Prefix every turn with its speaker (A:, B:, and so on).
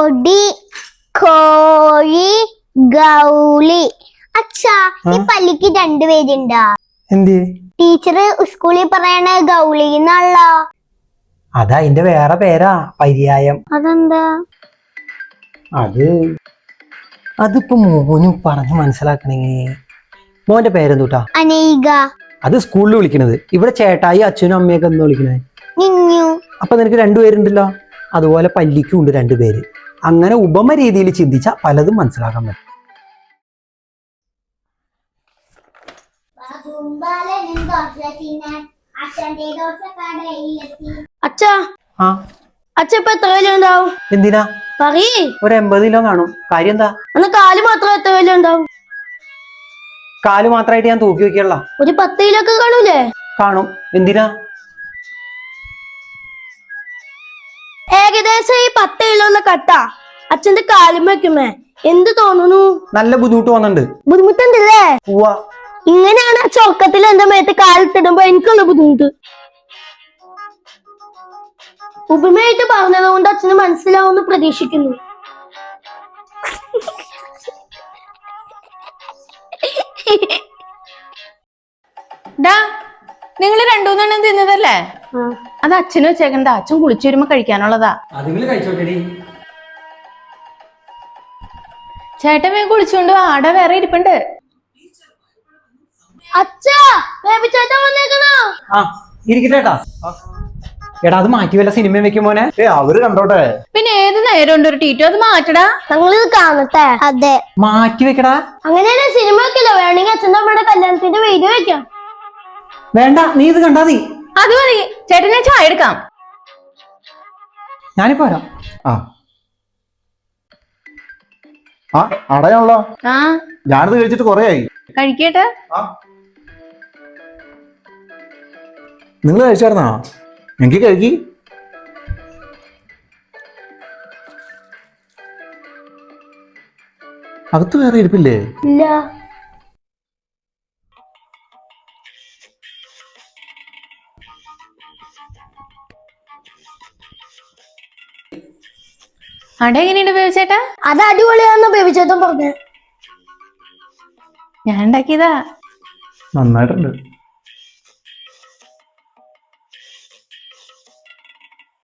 A: പൊടി കോഴി ഗൗളി. അച്ഛാ ഈ പള്ളിക്ക് രണ്ടുപേരുണ്ടാ?
B: എന്ത്
A: ടീച്ചർ സ്കൂളിൽ പറയണ ഗൗളി എന്നാണല്ലോ.
B: അതാ അതിന്റെ വേറെ പേരാ, പര്യായം.
A: അതെന്താ?
B: അതിപ്പോ മോനും പറഞ്ഞു മനസ്സിലാക്കണെങ്കിൽ. മോന്റെ പേരെന്തൂട്ടാ?
A: അനേക.
B: അത് സ്കൂളിൽ വിളിക്കണത്. ഇവിടെ ചേട്ടായി അച്ഛനും അമ്മയൊക്കെ എന്ന് വിളിക്കണേ.
A: നിന്നു.
B: അപ്പൊ നിനക്ക് രണ്ടുപേരുണ്ടല്ലോ. അതുപോലെ പല്ലിക്കും ഉണ്ട് രണ്ടുപേര്. അങ്ങനെ ഉപമ രീതിയിൽ ചിന്തിച്ച പലതും മനസ്സിലാക്കാൻ പറ്റും. എന്തിനാ? ഒരു 80 കിലോ കാണും. കാര്യം എന്താ?
A: കാല് മാത്രം എത്ര കിലോ ഉണ്ടാവും?
B: കാല് മാത്രമായിട്ട് ഞാൻ തൂക്കി വെക്കല്ല.
A: ഒരു 10 കിലോ ഒക്കെ കാണൂലേ?
B: കാണും. എന്തിനാ?
A: ഏകദേശം ഈ 10 കിലോ കട്ട അച്ഛന്റെ കാലും വെക്കുമേ എന്ത് തോന്നുന്നു?
B: നല്ല ബുദ്ധിമുട്ട് തോന്നുന്നുണ്ട്.
A: ബുദ്ധിമുട്ടുണ്ടല്ലേ? ഇങ്ങനെയാണ് ആ ചൊക്കത്തിൽ എന്റെ മേത്ത് കാലിത്തിടുമ്പോ എനിക്കുള്ള ബുദ്ധിമുട്ട്. ഉപമയായിട്ട് പറഞ്ഞത് കൊണ്ട് അച്ഛന് മനസ്സിലാവുമെന്ന് പ്രതീക്ഷിക്കുന്നു.
C: നിങ്ങള് രണ്ടൂന്നെണ്ണം തിന്നതല്ലേ? അത് അച്ഛനും വെച്ചേക്കണ്ട. അച്ഛൻ കുളിച്ചു വരുമ്പോ കഴിക്കാനുള്ളതാ. ചേട്ടൻ വേഗം കുളിച്ചോണ്ട് ആട വേറെ ഇരിപ്പുണ്ട്.
B: എടാ അത് മാറ്റി വല്ല സിനിമ വെക്കുമോനെ.
D: അവര് കണ്ടോട്ടെ.
C: പിന്നെ ഏത് നേരം ഉണ്ട് ഒരു ടീറ്റോ? അത് മാറ്റടാ.
A: ഞങ്ങളിത് കാണട്ടെ. അതെ,
B: മാറ്റി വെക്കടാ.
A: അങ്ങനെയാണ് സിനിമ വെക്കില്ല. വേണമെങ്കിൽ അച്ഛൻ നമ്മുടെ കല്യാണത്തിന്റെ വീഡിയോ വെക്കാം.
B: വേണ്ട, നീ ഇത് കണ്ടാ മതി.
C: അത് മതി. ചേട്ടൻ ഞാൻ ചായ എടുക്കാം.
B: ഞാനിപ്പോ വരാം.
D: അടയാണല്ലോ.
C: ആ
D: ഞാനിത് കഴിച്ചിട്ട് കൊറേ ആയി.
C: കഴിക്കട്ടെ.
D: നിങ്ങൾ കഴിച്ചായിരുന്നാ? എനിക്ക് കഴുകി. അകത്ത് വേറെ ഇരിപ്പില്ലേ?
A: ഇല്ല.
C: അട എങ്ങനെയുണ്ട് ബേബിച്ചേട്ടാ?
A: അത് അടിപൊളിയാന്ന് ബേബിച്ചേട്ടൻ പറഞ്ഞേ.
C: ഞാൻ ഉണ്ടാക്കിയതാ.
D: നന്നായിട്ടുണ്ട്.